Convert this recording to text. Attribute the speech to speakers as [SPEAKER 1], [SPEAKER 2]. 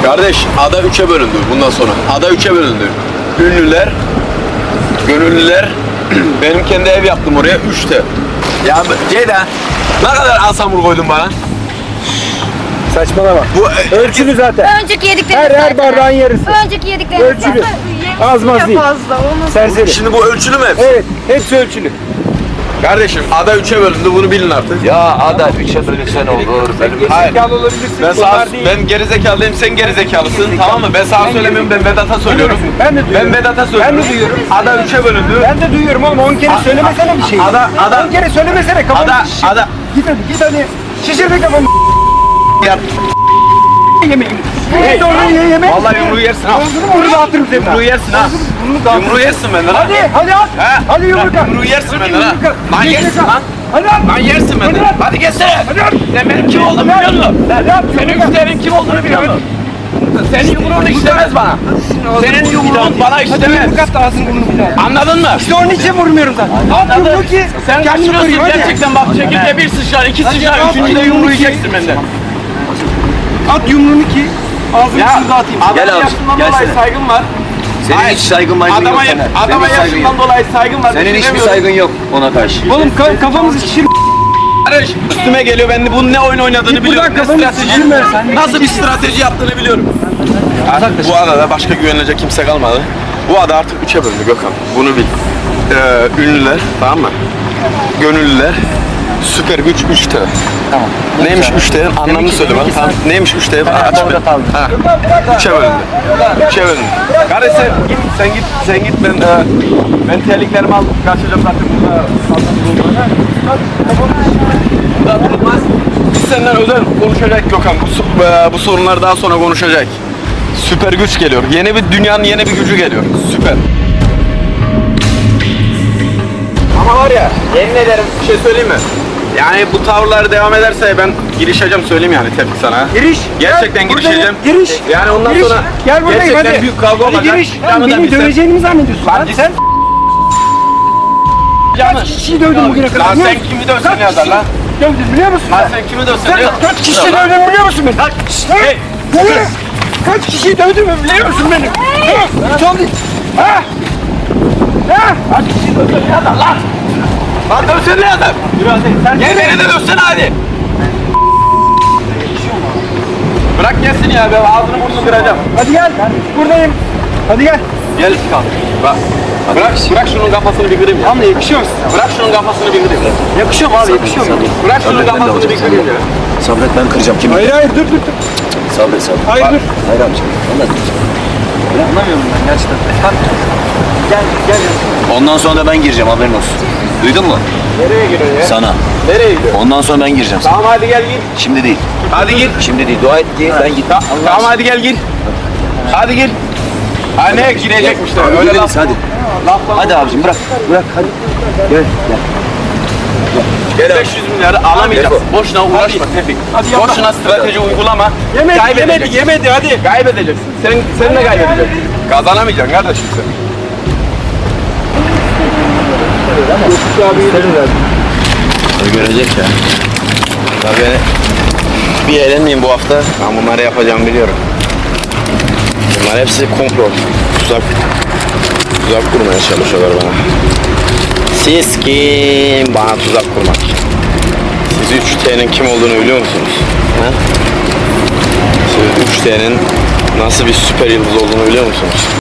[SPEAKER 1] Kardeş ada 3'e bölündü bundan sonra. Ada 3'e bölündü. Ünlüler, gönüllüler. Benim kendi ev yaptım oraya 3'te. Ya Ceyda ne kadar asamur koydun bana?
[SPEAKER 2] Saçmalama.
[SPEAKER 1] Bu
[SPEAKER 2] Ölçülü zaten.
[SPEAKER 3] Önceki yediklerimiz
[SPEAKER 2] Her
[SPEAKER 3] zaten.
[SPEAKER 2] bardağın yarısı.
[SPEAKER 3] Önceki yediklerimiz
[SPEAKER 2] Ölçülü.
[SPEAKER 3] zaten.
[SPEAKER 2] Az maz değil.
[SPEAKER 3] Fazla. Onu
[SPEAKER 2] Serseri.
[SPEAKER 1] Şimdi bu ölçülü mü hepsi?
[SPEAKER 2] Evet, hepsi ölçülü.
[SPEAKER 1] Kardeşim ada 3'e bölündü bunu bilin artık.
[SPEAKER 4] Ya ada 3'e bölünsen olur. Benim
[SPEAKER 1] Hayır.
[SPEAKER 2] Zekalı olabilirsin.
[SPEAKER 1] Ben gerizekalıyım, sen gerizekalısın, tamam mı? Ben sana söylemiyorum, ben Vedat'a söylüyorum.
[SPEAKER 2] Ben de duyuyorum.
[SPEAKER 1] Ben Vedat'a söylüyorum.
[SPEAKER 2] Ben de duyuyorum.
[SPEAKER 1] Ada 3'e bölündü.
[SPEAKER 2] Ben de duyuyorum oğlum 10 kere söylemesene bir şey.
[SPEAKER 1] Ada-
[SPEAKER 2] 10 kere söylemesene kafamı
[SPEAKER 1] Ada,
[SPEAKER 2] şişir.
[SPEAKER 1] ada.
[SPEAKER 2] Git hadi. Şişir de kafamı.
[SPEAKER 1] Yap.
[SPEAKER 2] Yemeğim. Hey, doğru ye yemeği.
[SPEAKER 1] Vallahi yumruğu yersin ha.
[SPEAKER 2] Bunu dağıtırım senin.
[SPEAKER 1] Yumruğu yersin ha. Yumruğu yersin benden ha.
[SPEAKER 2] Hadi at.
[SPEAKER 1] Ha?
[SPEAKER 2] Hadi yumruk at.
[SPEAKER 1] Yumruğu yersin benden ha.
[SPEAKER 2] Yumruk at.
[SPEAKER 1] Lan yersin lan.
[SPEAKER 2] Hadi at.
[SPEAKER 1] Lan yersin benden.
[SPEAKER 2] Hadi at.
[SPEAKER 1] Hadi gelsene.
[SPEAKER 2] Hadi at.
[SPEAKER 1] Sen benim kim olduğumu biliyor musun?
[SPEAKER 2] Hadi at.
[SPEAKER 1] Senin güzelin kim olduğunu biliyor musun? Senin yumruğun işlemez bana. Senin yumruğun bana işlemez.
[SPEAKER 2] Yumruk at da ağzını burnunu bir daha.
[SPEAKER 1] Anladın mı?
[SPEAKER 2] İşte onun için vurmuyorum zaten. At yumruğu ki
[SPEAKER 1] Sen
[SPEAKER 2] kendini
[SPEAKER 1] kaçırıyorsun
[SPEAKER 2] koruyayım, hadi.
[SPEAKER 1] gerçekten bak çekirde bir sıçrar, iki sıçrar, üçüncüde yumruğu yiyeceksin benden.
[SPEAKER 2] At yumruğunu ki ağzını
[SPEAKER 1] Ya
[SPEAKER 2] şunu dağıtayım.
[SPEAKER 1] adama
[SPEAKER 4] Gel abi,
[SPEAKER 1] yaşından
[SPEAKER 4] gelsene.
[SPEAKER 1] dolayı saygım var.
[SPEAKER 4] Senin
[SPEAKER 1] Hayır.
[SPEAKER 4] hiç saygın yok
[SPEAKER 1] Adama,
[SPEAKER 4] sana.
[SPEAKER 1] adama
[SPEAKER 4] Senin hiç saygın
[SPEAKER 1] yaşından
[SPEAKER 4] yok.
[SPEAKER 1] dolayı saygım var.
[SPEAKER 4] Senin hiçbir
[SPEAKER 1] Düşünemiyorum.
[SPEAKER 4] saygın yok ona karşı.
[SPEAKER 2] Oğlum kafamızı şişir.
[SPEAKER 1] Kardeş üstüme geliyor, ben de bunun ne oyun oynadığını
[SPEAKER 2] Git
[SPEAKER 1] biliyorum. Ne
[SPEAKER 2] buradan, kafanı
[SPEAKER 1] strateji,
[SPEAKER 2] şişirme sen.
[SPEAKER 1] nasıl bir strateji yaptığını biliyorum. Bu adada başka güvenilecek kimse kalmadı. Bu ada artık 3'e bölündü Gökhan. Bunu bil. Ünlüler, tamam mı? Gönüllüler, süper güç 3'te.
[SPEAKER 4] Tamam.
[SPEAKER 1] Neymiş 3T'nin anlamını söyle bana. Tamam. Neymiş 3T? Aç
[SPEAKER 4] orada
[SPEAKER 1] bir.
[SPEAKER 4] kaldım.
[SPEAKER 1] Ha. 3'e bölündü. 3'e bölündü. Kardeş sen git ben terliklerimi alıp kaçacağım zaten burada. Burada durmaz. Biz senden özel konuşacak Gökhan. Bu sorunlar daha sonra konuşacak. Süper güç geliyor. Dünyanın yeni bir gücü geliyor. Süper. Ama var ya, yemin ederim bir şey söyleyeyim mi? Yani bu tavırlar devam ederse ben girişeceğim söyleyeyim yani tepki sana.
[SPEAKER 2] Giriş.
[SPEAKER 1] Gerçekten
[SPEAKER 2] Gel,
[SPEAKER 1] girişeceğim.
[SPEAKER 2] buradayım. Giriş.
[SPEAKER 1] Yani ondan
[SPEAKER 2] Giriş.
[SPEAKER 1] sonra
[SPEAKER 2] Gel buradayım
[SPEAKER 1] gerçekten
[SPEAKER 2] hadi.
[SPEAKER 1] büyük kavga
[SPEAKER 2] Hadi
[SPEAKER 1] olacak.
[SPEAKER 2] giriş.
[SPEAKER 1] Canı da
[SPEAKER 2] Beni
[SPEAKER 1] bilsen.
[SPEAKER 2] döveceğini mi zannediyorsun?
[SPEAKER 1] Lan
[SPEAKER 2] Lan
[SPEAKER 1] git.
[SPEAKER 2] sen
[SPEAKER 1] Canı.
[SPEAKER 2] kaç kişiyi dövdün bugüne kadar?
[SPEAKER 1] Lan
[SPEAKER 2] biliyor
[SPEAKER 1] sen
[SPEAKER 2] musun?
[SPEAKER 1] kimi dövsen
[SPEAKER 2] Kaç
[SPEAKER 1] yazar
[SPEAKER 2] kişi
[SPEAKER 1] lan?
[SPEAKER 2] Dövdün biliyor musun?
[SPEAKER 1] Lan sen kimi dövsen
[SPEAKER 2] Sen
[SPEAKER 1] yazar?
[SPEAKER 2] kaç kişiyi dövdün biliyor musun beni?
[SPEAKER 1] Hey.
[SPEAKER 2] Kaç kişiyi dövdün mü biliyor musun beni? Son değil. Ha? Ha?
[SPEAKER 1] Kaç kişi dövsen yazar lan? Lan dövsene ne yazar? Gel beni de dövsene hadi. Bırak gelsin ya, ben ağzını burnunu kıracağım.
[SPEAKER 2] Hadi gel. Buradayım. Hadi gel.
[SPEAKER 1] Gel kal. Bırak şunun kafasını bir kırayım ya.
[SPEAKER 2] Ama yakışıyor musun?
[SPEAKER 1] Bırak şunun kafasını bir kırayım.
[SPEAKER 2] Yakışıyor mu abi? Yakışıyor mu?
[SPEAKER 1] Bırak şunun
[SPEAKER 4] Sabret, ben de
[SPEAKER 1] kafasını bir
[SPEAKER 4] alacağım
[SPEAKER 1] kırayım ya.
[SPEAKER 4] Sabret ben kıracağım kimi?
[SPEAKER 2] Hayır hayır dur.
[SPEAKER 4] Sabret sabret.
[SPEAKER 2] Hayır dur.
[SPEAKER 4] Hayır amcam. Vallahi kıracağım.
[SPEAKER 2] Anlamıyorum ben gerçekten. Gel.
[SPEAKER 4] Ondan sonra da ben gireceğim haberin olsun. Duydun mu?
[SPEAKER 1] Nereye giriyorsun ya?
[SPEAKER 4] Sana.
[SPEAKER 1] Nereye gidiyorsun?
[SPEAKER 4] Ondan sonra ben gireceğim sana.
[SPEAKER 1] Tamam hadi gel gir.
[SPEAKER 4] Şimdi değil.
[SPEAKER 1] Hadi gir.
[SPEAKER 4] Şimdi değil. Dua et ki ben git.
[SPEAKER 1] Tamam hadi gel gir. Hadi gir. Ha ne girecekmiş de öyle
[SPEAKER 4] Öyle
[SPEAKER 1] laf.
[SPEAKER 4] hadi. Hadi abicim bırak. Bırak hadi. Gel gel.
[SPEAKER 1] 500 milyarı alamayacaksın. Boşuna uğraşma Tevfik. Boşuna strateji uygulama.
[SPEAKER 2] Yemedi hadi.
[SPEAKER 1] Kaybedeceksin. Sen de kaybedeceksin. Kazanamayacaksın kardeşim sen.
[SPEAKER 4] O görecek ya.
[SPEAKER 1] Tabii bir eğlenmeyeyim bu hafta. Ben bunları yapacağımı biliyorum. Bunlar hepsi komplo. Tuzak kurmaya çalışıyorlar bana. Siz kim? Bana tuzak kurmak. Siz 3T'nin kim olduğunu biliyor musunuz? Ha? Siz 3T'nin nasıl bir süper yıldız olduğunu biliyor musunuz?